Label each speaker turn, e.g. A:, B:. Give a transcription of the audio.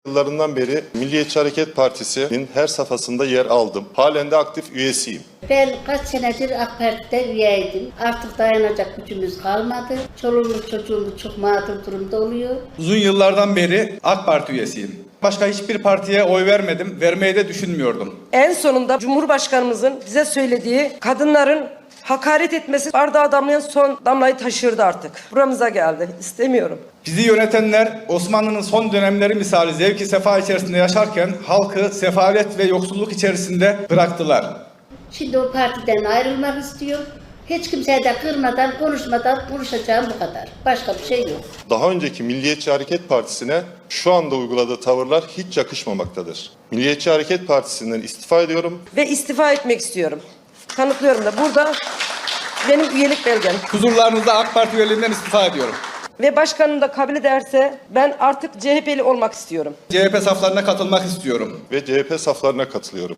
A: Yıllarından beri Milliyetçi Hareket Partisi'nin her safhasında yer aldım. Halen de aktif üyesiyim.
B: Ben kaç senedir AK Parti'de üyeydim. Artık dayanacak gücümüz kalmadı. Çoluğumuz çocuğumuz çok mağdur durumda oluyor.
C: Uzun yıllardan beri AK Parti üyesiyim. Başka hiçbir partiye oy vermedim, vermeyi de düşünmüyordum.
D: En sonunda Cumhurbaşkanımızın bize söylediği kadınların hakaret etmesi bardağı damlayan son damlayı taşırdı artık. Buramıza geldi. İstemiyorum.
C: Bizi yönetenler Osmanlı'nın son dönemleri misali zevki sefa içerisinde yaşarken halkı sefalet ve yoksulluk içerisinde bıraktılar.
B: Şimdi o partiden ayrılmak istiyor. Hiç kimseye de kırmadan, konuşmadan konuşacağım bu kadar. Başka bir şey yok.
A: Daha önceki Milliyetçi Hareket Partisi'ne şu anda uyguladığı tavırlar hiç yakışmamaktadır. Milliyetçi Hareket Partisi'nden istifa ediyorum.
D: Ve istifa etmek istiyorum. Kanıtlıyorum da burada benim üyelik belgem.
C: Huzurlarınızda AK Parti üyeliğinden istifa ediyorum.
D: Ve başkanım da kabul ederse ben artık CHP'li olmak istiyorum.
C: CHP saflarına katılmak istiyorum.
A: Ve CHP saflarına katılıyorum.